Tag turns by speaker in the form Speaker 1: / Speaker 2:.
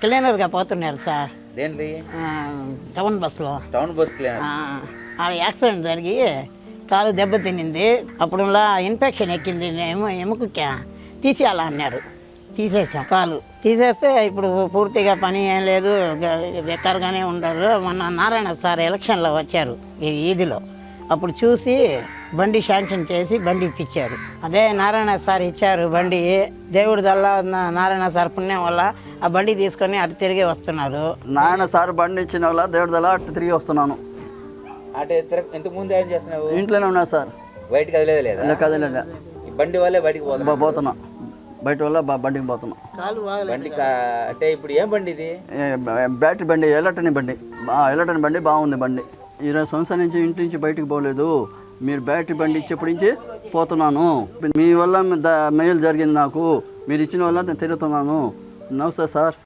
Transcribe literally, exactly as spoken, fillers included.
Speaker 1: క్లీనర్గా పోతున్నారు సార్.
Speaker 2: దేంటి?
Speaker 1: టౌన్ బస్సులో.
Speaker 2: Town bus cleaner.
Speaker 1: ఆ యాక్సిడెంట్ జరిగి కాలు దెబ్బతినింది. అప్పుడులా ఇన్ఫెక్షన్ ఎక్కింది, ఎము ఎముకకి తీసేయాలా అన్నారు. తీసేసాం. కాలు తీసేస్తే ఇప్పుడు పూర్తిగా పని ఏం లేదు, బెక్కర్గానే ఉండరు. మొన్న నారాయణ సార్ ఎలక్షన్లో వచ్చారు ఈ ఈదిలో. అప్పుడు చూసి బండి శాంక్షన్ చేసి బండి ఇప్పించారు. అదే నారాయణ సార్ ఇచ్చారు బండి. దేవుడి దల్ల నారాయణ సార్ పుణ్యం వల్ల ఆ బండి తీసుకొని అటు తిరిగి వస్తున్నారు.
Speaker 3: నారాయణ సార్ బండి ఇచ్చిన వల్ల దేవుడి దల్ల అటు తిరిగి వస్తున్నాను.
Speaker 2: అంటే ఇంతకు ముందు ఏం చేస్తున్నావు?
Speaker 3: ఇంట్లోనే ఉన్నా సార్.
Speaker 2: బయటకు కదలేదు లేదా?
Speaker 3: కదలేదా.
Speaker 2: ఈ బండి వల్లే బయటికి పోతున్నా
Speaker 3: పోతున్నా బయట వల్ల బండికి పోతున్నా.
Speaker 2: బండి అంటే ఇప్పుడు ఏం బండి ఇది?
Speaker 3: బ్యాటరీ బండి, ఎలక్ట్రానిక్ బండి. ఎలక్ట్రానిక్ బండి బాగుంది బండి. ఇరవై సంవత్సరాల నుంచి ఇంటి నుంచి బయటకు పోలేదు. మీరు బ్యాటరీ బండి ఇచ్చేప్పటి నుంచి పోతున్నాను. మీ వల్ల మేలు జరిగింది నాకు. మీరు ఇచ్చిన వల్ల నేను తిరుగుతున్నాను. నమస్తే సార్.